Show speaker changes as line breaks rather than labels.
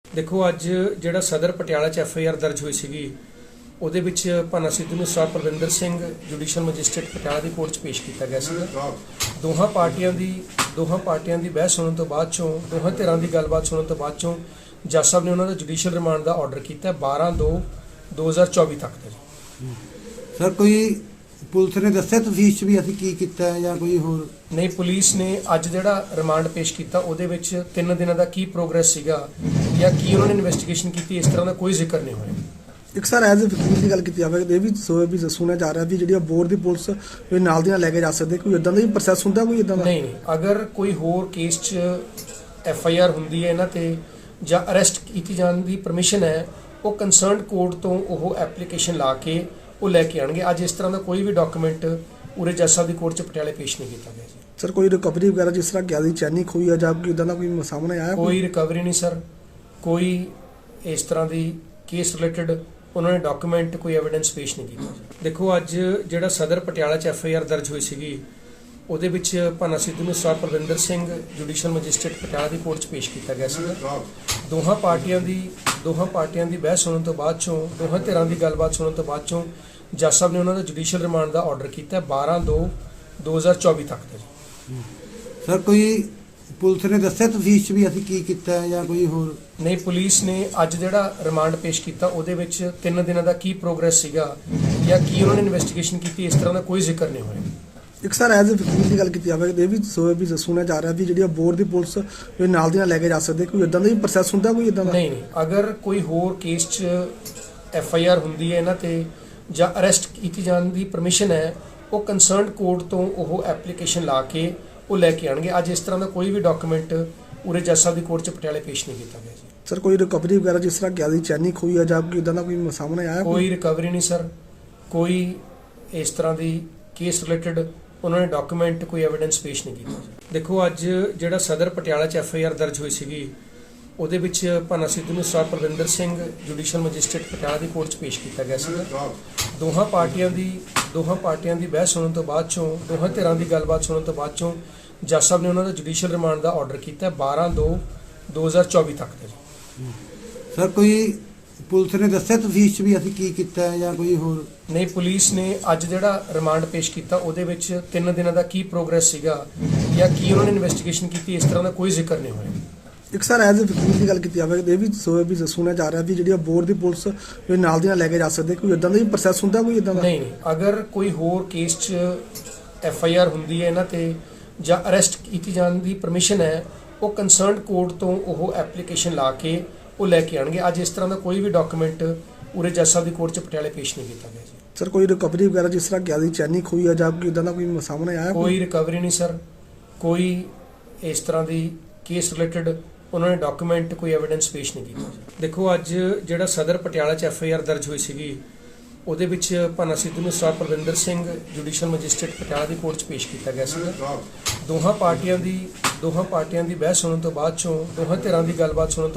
देखो अज ਜਿਹੜਾ सदर पटियाला च FIR दर्ज हुई सी ਉਹਦੇ ਵਿੱਚ ਭਾਨਾ ਸਿੱਧੂ ਨੂੰ sir Parvinder Singh judicial magistrate Patiala ਦੀ ਕੋਰਟ 'ਚ ਪੇਸ਼ ਕੀਤਾ ਗਿਆ ਸੀ। ਦੋਹਾਂ ਪਾਰਟੀਆਂ ਦੀ ਬਹਿਸ ਸੁਣਨ ਤੋਂ ਬਾਅਦ ਚੋਂ ਦੋਹਾਂ ਧਿਰਾਂ ਦੀ ਗੱਲਬਾਤ ਸੁਣਨ ਤੋਂ ਬਾਅਦ ਚੋਂ ਜੱਜ ਸਾਹਿਬ ਨੇ ਉਹਨਾਂ ਦਾ ਜੁਡੀਸ਼ੀਅਲ ਰਿਮਾਂਡ ਦਾ ਆਰਡਰ ਕੀਤਾ 12/2/2024 ਤੱਕ ਦਾ।
ਸਰ ਕੋਈ ਪੁਲਿਸ ਨੇ ਦੱਸਿਆ ਤਫਤੀਸ਼ 'ਚ ਵੀ ਅਸੀਂ ਕੀ ਕੀਤਾ ਜਾਂ ਕੋਈ ਹੋਰ?
ਨਹੀਂ, ਪੁਲਿਸ ਨੇ ਅੱਜ ਜਿਹੜਾ ਰਿਮਾਂਡ ਪੇਸ਼ ਕੀਤਾ ਉਹਦੇ ਵਿੱਚ 3 ਦਿਨਾਂ ਦਾ ਕੀ ਪ੍ਰੋਗਰੈਸ ਸੀਗਾ ਜਾਂ ਕੀ ਉਹਨਾਂ ਨੇ ਇਨਵੈਸਟੀਗੇਸ਼ਨ ਕੀਤੀ ਇਸ ਤਰ੍ਹਾਂ ਦਾ ਕੋਈ ਜ਼ਿਕਰ ਨਹੀਂ ਹੋਇਆ।
ਇੱਕ ਸਰ ਐਜ਼ ਵਕੀਲ ਦੀ ਗੱਲ ਕੀਤੀ ਜਾਵੇ ਇਹ ਵੀ ਸੁਣਿਆ ਜਾ ਰਿਹਾ ਵੀ ਜਿਹੜੀ ਬੋਰਡ ਦੀ ਪੁਲਿਸ ਵੀ ਨਾਲ ਦੀ ਨਾਲ ਲੈ ਕੇ ਜਾ ਸਕਦੇ, ਕੋਈ ਇਦਾਂ ਦਾ ਵੀ ਪ੍ਰੋਸੈਸ ਹੁੰਦਾ ਕੋਈ ਇਦਾਂ ਦਾ?
ਨਹੀਂ, ਅਗਰ ਕੋਈ ਹੋਰ ਕੇਸ 'ਚ FIR ਹੁੰਦੀ ਹੈ ਇਹਨਾਂ ਤੇ ਜਾਂ ਅਰੈਸਟ ਕੀਤੀ ਜਾਣ ਦੀ ਪਰਮਿਸ਼ਨ ਹੈ ਉਹ ਕੰਸਰਨਡ ਕੋਰਟ ਤੋਂ ਉਹ ਐਪਲੀਕੇਸ਼ਨ ਲਾ ਕੇ ਉਹ ਲੈ ਕੇ ਆਣਗੇ। ਅੱਜ ਇਸ ਤਰ੍ਹਾਂ ਦਾ ਕੋਈ ਵੀ ਡਾਕੂਮੈਂਟ ਉਰੇ ਜੱਜ ਸਾਹਿਬ ਦੀ ਕੋਰਟ 'ਚ ਪਟਿਆਲੇ ਪੇਸ਼ ਨਹੀਂ ਕੀਤਾ ਗਿਆ ਜੀ।
ਸਰ ਕੋਈ ਰਿਕਵਰੀ ਵਗੈਰਾ ਜਿਸ ਤਰ੍ਹਾਂ ਗਿਆ ਦੀ ਚੈਨੀ ਖੋਈ ਆ ਜਾਂ ਕੋਈ ਇਦਾਂ ਦਾ ਕੋਈ ਸਾਹਮਣੇ ਆਇਆ?
ਕੋਈ ਰਿਕਵਰੀ ਨਹੀਂ ਸਰ, ਕੋਈ ਇਸ ਤਰ੍ਹਾਂ ਦੀ ਕੇਸ ਰਿਲੇਟਡ ਉਹਨਾਂ ਨੇ ਡਾਕੂਮੈਂਟ ਕੋਈ ਐਵੀਡੈਂਸ ਪੇਸ਼ ਨਹੀਂ ਕੀਤਾ। ਦੇਖੋ ਅੱਜ ਜਿਹੜਾ ਸਦਰ ਪਟਿਆਲਾ 'ਚ FIR ਦਰਜ ਹੋਈ ਸੀ ਉਹਦੇ ਵਿੱਚ ਭਾਨਾ ਸਿੱਧੂ ਨੂੰ sir Parvinder Singh judicial magistrate Patiala ਦੀ ਕੋਰਟ 'ਚ ਪੇਸ਼ ਕੀਤਾ ਗਿਆ ਸੀ। ਦੋਹਾਂ ਪਾਰਟੀਆਂ ਦੀ ਬਹਿਸ ਸੁਣਨ ਤੋਂ ਬਾਅਦ ਚੋਂ ਦੋਹਾਂ ਧਿਰਾਂ ਦੀ ਗੱਲਬਾਤ ਸੁਣਨ ਤੋਂ ਬਾਅਦ ਚੋਂ ਜੱਜ ਸਾਹਿਬ ਨੇ ਉਹਨਾਂ ਦਾ ਜੁਡੀਸ਼ੀਅਲ ਰਿਮਾਂਡ ਦਾ ਆਰਡਰ ਕੀਤਾ 12/2/2024 ਤੱਕ ਦਾ।
ਸਰ ਕੋਈ ਪੁਲਿਸ ਨੇ ਦੱਸਿਆ ਤਫਤੀਸ਼ 'ਚ ਵੀ ਅਸੀਂ ਕੀ ਕੀਤਾ ਜਾਂ ਕੋਈ ਹੋਰ?
ਨਹੀਂ, ਪੁਲਿਸ ਨੇ ਅੱਜ ਜਿਹੜਾ ਰਿਮਾਂਡ ਪੇਸ਼ ਕੀਤਾ ਉਹਦੇ ਵਿੱਚ 3 ਦਿਨਾਂ ਦਾ ਕੀ ਪ੍ਰੋਗਰੈਸ ਸੀਗਾ ਜਾਂ ਕੀ ਉਹਨਾਂ ਨੇ ਇਨਵੈਸਟੀਗੇਸ਼ਨ ਕੀਤੀ ਇਸ ਤਰ੍ਹਾਂ ਦਾ ਕੋਈ ਜ਼ਿਕਰ ਨਹੀਂ ਹੋਇਆ।
ਇੱਕ ਸਰ ਐਜ਼ ਵਕੀਲ ਦੀ ਗੱਲ ਕੀਤੀ ਜਾਵੇ ਇਹ ਵੀ ਸੁਣਿਆ ਜਾ ਰਿਹਾ ਵੀ ਜਿਹੜੀ ਬੋਰਡ ਦੀ ਪੁਲਿਸ ਵੀ ਨਾਲ ਦੀ ਨਾਲ ਲੈ ਕੇ ਜਾ ਸਕਦੇ, ਕੋਈ ਇਦਾਂ ਦਾ ਵੀ ਪ੍ਰੋਸੈਸ ਹੁੰਦਾ ਕੋਈ ਇਦਾਂ ਦਾ?
ਨਹੀਂ, ਅਗਰ ਕੋਈ ਹੋਰ ਕੇਸ 'ਚ FIR ਹੁੰਦੀ ਹੈ ਇਹਨਾਂ ਤੇ ਜਾਂ ਅਰੈਸਟ ਕੀਤੀ ਜਾਣ ਦੀ ਪਰਮਿਸ਼ਨ ਹੈ ਉਹ ਕੰਸਰਨਡ ਕੋਰਟ ਤੋਂ ਉਹ ਐਪਲੀਕੇਸ਼ਨ ਲਾ ਕੇ ਉਹ ਲੈ ਕੇ ਆਣਗੇ। ਅੱਜ ਇਸ ਤਰ੍ਹਾਂ ਦਾ ਕੋਈ ਵੀ ਡਾਕੂਮੈਂਟ ਉਰੇ ਜੱਜ ਸਾਹਿਬ ਦੀ ਕੋਰਟ 'ਚ ਪਟਿਆਲੇ ਪੇਸ਼ ਨਹੀਂ ਕੀਤਾ ਗਿਆ ਜੀ।
ਸਰ ਕੋਈ ਰਿਕਵਰੀ ਵਗੈਰਾ ਜਿਸ ਤਰ੍ਹਾਂ ਗਿਆ ਦੀ ਚੈਨੀ ਖੋਈ ਆ ਜਾਂ ਕੋਈ ਇਦਾਂ ਦਾ ਕੋਈ ਸਾਹਮਣੇ ਆਇਆ?
ਕੋਈ ਰਿਕਵਰੀ ਨਹੀਂ ਸਰ, ਕੋਈ ਇਸ ਤਰ੍ਹਾਂ ਦੀ ਕੇਸ ਰਿਲੇਟਡ ਉਹਨਾਂ ਨੇ ਡਾਕੂਮੈਂਟ ਕੋਈ ਐਵੀਡੈਂਸ ਪੇਸ਼ ਨਹੀਂ ਕੀਤਾ। ਦੇਖੋ ਅੱਜ ਜਿਹੜਾ ਸਦਰ ਪਟਿਆਲਾ 'ਚ FIR ਦਰਜ ਹੋਈ ਸੀ ਉਹਦੇ ਵਿੱਚ ਭਾਨਾ ਸਿੱਧੂ ਨੂੰ sir Parvinder Singh judicial magistrate Patiala ਦੀ ਕੋਰਟ 'ਚ ਪੇਸ਼ ਕੀਤਾ ਗਿਆ ਸੀ। ਦੋਹਾਂ ਪਾਰਟੀਆਂ ਦੀ ਬਹਿਸ ਸੁਣਨ ਤੋਂ ਬਾਅਦ ਚੋਂ ਦੋਹਾਂ ਧਿਰਾਂ ਦੀ ਗੱਲਬਾਤ ਸੁਣਨ ਤੋਂ ਬਾਅਦ ਚੋਂ ਜੱਜ ਸਾਹਿਬ ਨੇ ਉਹਨਾਂ ਦਾ ਜੁਡੀਸ਼ੀਅਲ ਰਿਮਾਂਡ ਦਾ ਆਰਡਰ ਕੀਤਾ 12/2/2024 ਤੱਕ ਦਾ।
ਸਰ ਕੋਈ ਪੁਲਿਸ ਨੇ ਦੱਸਿਆ ਤਫਤੀਸ਼ 'ਚ ਵੀ ਅਸੀਂ ਕੀ ਕੀਤਾ ਜਾਂ ਕੋਈ ਹੋਰ?
ਨਹੀਂ, ਪੁਲਿਸ ਨੇ ਅੱਜ ਜਿਹੜਾ ਰਿਮਾਂਡ ਪੇਸ਼ ਕੀਤਾ ਉਹਦੇ ਵਿੱਚ 3 ਦਿਨਾਂ ਦਾ ਕੀ ਪ੍ਰੋਗਰੈਸ ਸੀਗਾ ਜਾਂ ਕੀ ਉਹਨਾਂ ਨੇ ਇਨਵੈਸਟੀਗੇਸ਼ਨ ਕੀਤੀ ਇਸ ਤਰ੍ਹਾਂ ਦਾ ਕੋਈ ਜ਼ਿਕਰ ਨਹੀਂ ਹੋਇਆ।
ਇੱਕ ਸਰ ਐਜ਼ ਵਕੀਲ ਦੀ ਗੱਲ ਕੀਤੀ ਜਾਵੇ ਇਹ ਵੀ ਸੁਣਿਆ ਜਾ ਰਿਹਾ ਵੀ ਜਿਹੜੀ ਬੋਰਡ ਦੀ ਪੁਲਿਸ ਵੀ ਨਾਲ ਦੀ ਨਾਲ ਲੈ ਕੇ ਜਾ ਸਕਦੇ, ਕੋਈ ਇਦਾਂ ਦਾ ਵੀ ਪ੍ਰੋਸੈਸ ਹੁੰਦਾ ਕੋਈ ਇਦਾਂ ਦਾ?
ਨਹੀਂ, ਅਗਰ ਕੋਈ ਹੋਰ ਕੇਸ 'ਚ FIR ਹੁੰਦੀ ਹੈ ਇਹਨਾਂ ਤੇ ਜਾਂ ਅਰੈਸਟ ਕੀਤੀ ਜਾਣ ਦੀ ਪਰਮਿਸ਼ਨ ਹੈ ਉਹ ਕੰਸਰਨਡ ਕੋਰਟ ਤੋਂ ਉਹ ਐਪਲੀਕੇਸ਼ਨ ਲਾ ਕੇ ਉਹ ਲੈ ਕੇ ਆਣਗੇ। ਅੱਜ ਇਸ ਤਰ੍ਹਾਂ ਦਾ ਕੋਈ ਵੀ ਡਾਕੂਮੈਂਟ ਉਰੇ ਜੱਜ ਸਾਹਿਬ ਦੀ ਕੋਰਟ 'ਚ ਪਟਿਆਲੇ ਪੇਸ਼ ਨਹੀਂ ਕੀਤਾ ਗਿਆ ਜੀ।
ਸਰ ਕੋਈ ਰਿਕਵਰੀ ਵਗੈਰਾ ਜਿਸ ਤਰ੍ਹਾਂ ਗਿਆ ਦੀ ਚੈਨੀ ਖੋਈ ਆ ਜਾਂ ਕੋਈ ਇਦਾਂ ਦਾ ਕੋਈ ਸਾਹਮਣੇ ਆਇਆ?
ਕੋਈ ਰਿਕਵਰੀ ਨਹੀਂ ਸਰ, ਕੋਈ ਇਸ ਤਰ੍ਹਾਂ ਦੀ ਕੇਸ ਰਿਲੇਟਡ ਉਹਨਾਂ ਨੇ ਡਾਕੂਮੈਂਟ ਕੋਈ ਐਵੀਡੈਂਸ ਪੇਸ਼ ਨਹੀਂ ਕੀਤਾ। ਦੇਖੋ ਅੱਜ ਜਿਹੜਾ ਸਦਰ ਪਟਿਆਲਾ 'ਚ FIR ਦਰਜ ਹੋਈ ਸੀ ਉਹਦੇ ਵਿੱਚ ਭਾਨਾ ਸਿੱਧੂ ਨੂੰ sir Parvinder Singh judicial magistrate Patiala ਦੀ ਕੋਰਟ 'ਚ ਪੇਸ਼ ਕੀਤਾ ਗਿਆ ਸੀ। ਦੋਹਾਂ ਪਾਰਟੀਆਂ ਦੀ ਬਹਿਸ ਸੁਣਨ ਤੋਂ ਬਾਅਦ ਚੋਂ ਦੋਹਾਂ ਧਿਰਾਂ ਦੀ ਗੱਲਬਾਤ ਸੁਣਨ